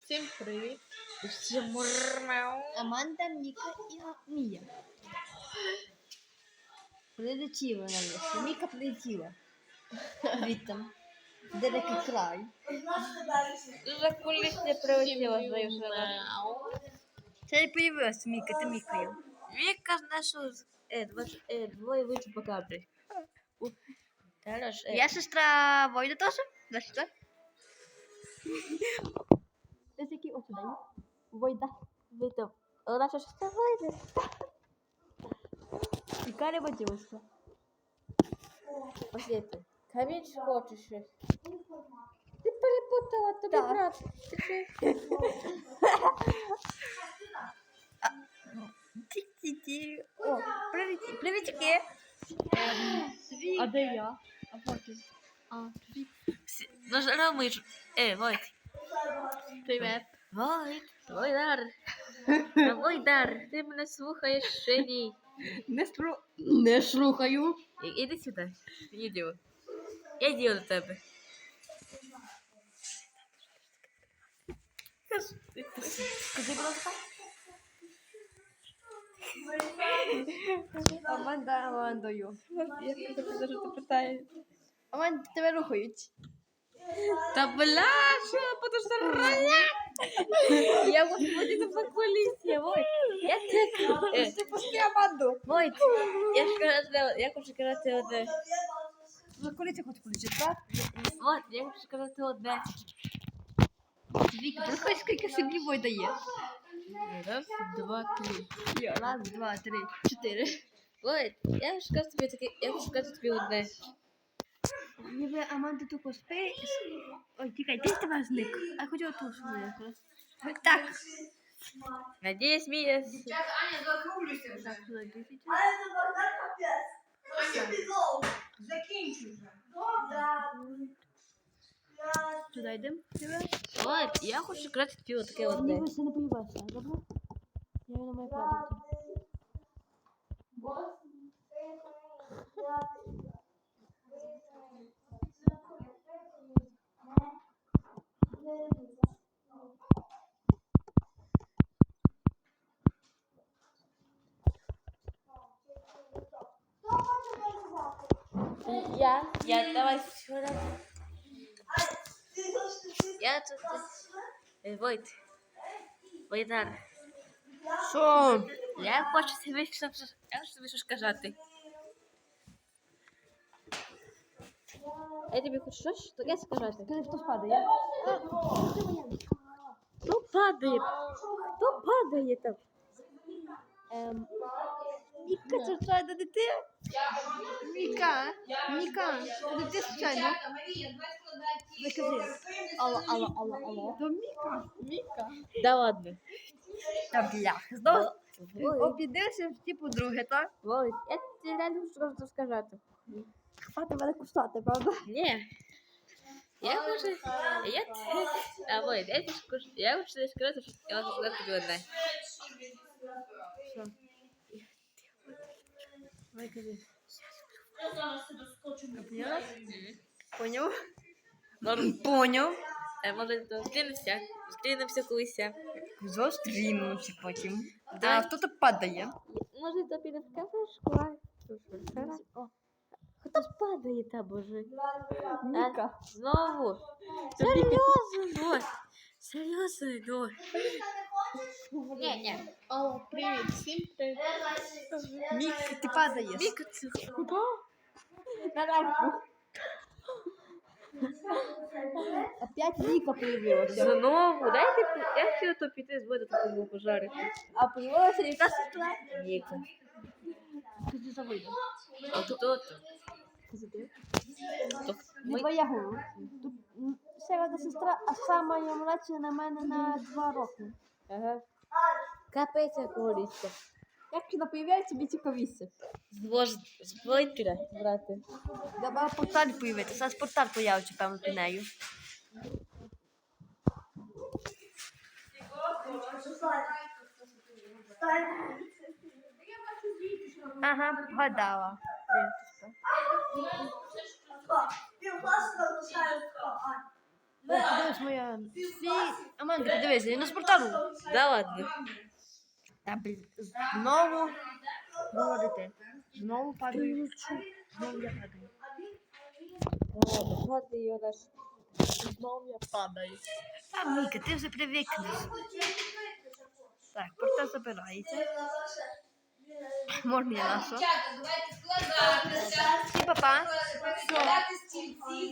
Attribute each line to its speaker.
Speaker 1: Всім привіт!
Speaker 2: Аманда, Міка і Мія. Прилетіла на лісі. Міка прилетіла. Звідти. Далекий край.
Speaker 3: За куліс не прилетіла свою шану.
Speaker 2: Це не появилась Міка, ти Мікою.
Speaker 3: Віка знайшов двоє вийшли по кадрі.
Speaker 2: Я сестра Войда теж? Да, сестра? Ось який ось сюди. Войда.
Speaker 3: Вийти. Наша сестра вийде.
Speaker 2: І Каря водилася.
Speaker 3: Послідки. Камінь хочеш щось? Ти перепутала, тобі
Speaker 2: Так.
Speaker 3: брат.
Speaker 2: Ті-ті-ті. О, привітки.
Speaker 1: А де я?
Speaker 2: А потім.
Speaker 3: Ну, Ромич. Войт.
Speaker 1: Привіт.
Speaker 3: Войт. Войдар. Войдар, ти мене слухаєш ще ні.
Speaker 2: Не слухаю.
Speaker 3: Іди сюди. Іди. Я йду до тебе.
Speaker 2: Скажи, будь ласка. Амандою.
Speaker 1: Я тебе що ти питаєш.
Speaker 2: Аманда, тебе рухають.
Speaker 3: Та бля, що подожди. Я вот буду на кулісі, Войт. Я тебе...
Speaker 2: Ти пусти Аманду.
Speaker 3: Войт, я хочу сказати одне.
Speaker 2: Коли ти хочеш полічити, так?
Speaker 3: Вот, я хочу сказати одне.
Speaker 2: Віка, приходь, скільки собі Войда є.
Speaker 3: Раз, два, три.
Speaker 2: Раз, два, три, чотири.
Speaker 3: Войт, я хочу сказати тобі таке, я хочу сказати тобі одне.
Speaker 2: Ніби Аманда тупо спи. Ой, тікай, ти з тебе зник. А я хотіла ту свою якраз. Так.
Speaker 3: Надіюсь, Мія...
Speaker 4: Аня, закруглюйся вже.
Speaker 2: Так, сюди 10.
Speaker 4: Але це Богдан капець. Закінчуй вже.
Speaker 2: Туди йдемо.
Speaker 3: Войт, я хочу сказати тобі таке одне.
Speaker 2: Ніби все не поїбався, добре? Я на моє кладу.
Speaker 3: Я, давай сюди. Я тут... Войт. Войдар.
Speaker 2: Що?
Speaker 3: Я хочу тобі щось сказати. Я тобі хочу щось таке сказати.
Speaker 2: Скажи, хто спадає?
Speaker 3: Хто падає? Хто падає там?
Speaker 2: Міка, це случайно не ти? Міка, це не ти случайно? Ви кажи. Алло. То Міка.
Speaker 3: Да ладно.
Speaker 2: Та блях, знову обідився в типу друге, так?
Speaker 3: Войт, я тобі реально хочу сказати.
Speaker 2: Хвати мене кусати, правда?
Speaker 3: Ні. Я хочу... Войт, я хочу тобі сказати, що я хочу сказати тобі одне.
Speaker 2: Давай кажи.
Speaker 3: Поняла?
Speaker 2: Поняв? Поняв.
Speaker 3: Може, зустрінемося колись.
Speaker 2: Зустрінемося потім.
Speaker 3: Да.
Speaker 2: А хто то падає?
Speaker 3: Може, то піде в кафешку, Хто ж падає там, боже?
Speaker 2: Міка.
Speaker 3: Знову? Серйозно? Ой, серйозно, ну. Ні.
Speaker 1: Алло, привіт, всім привіт.
Speaker 2: Міка, ти падаєш.
Speaker 3: Віка, це...
Speaker 2: На рамку. Опять Міка появилася.
Speaker 3: Знову? Я хотіла то піти з воду такому пожарити.
Speaker 2: А появилася яка сестра?
Speaker 3: Віка.
Speaker 2: Скажи, за вийде.
Speaker 3: А хто то?
Speaker 2: Скажи ти.
Speaker 3: То
Speaker 2: Не твоя голова. Тут ще одна сестра, а сама я младша на мене на 2 роки.
Speaker 3: Ага. Капець якого ліска.
Speaker 2: Як вона появляється, тобі цікавіше.
Speaker 3: З Войтера, брати.
Speaker 2: Давай порталь появиться. Зараз порталь появиться, певно, під нею. Ага, вгадала.
Speaker 4: Півкласу залишають.
Speaker 2: Дивись моя. Аманда, дивись, я на спортану.
Speaker 3: Да ладно.
Speaker 2: Та, блін, знову молодити. Знову падаю. Знову я падаю.
Speaker 3: Ладно, ее наш.
Speaker 1: Знову я падаю.
Speaker 2: Та, Міка, ти вже привикнеш. Так, порта забирається. Можна я нашу.
Speaker 4: Дівчата, давайте складатися.
Speaker 2: Всі, папа.
Speaker 4: Складати стільці.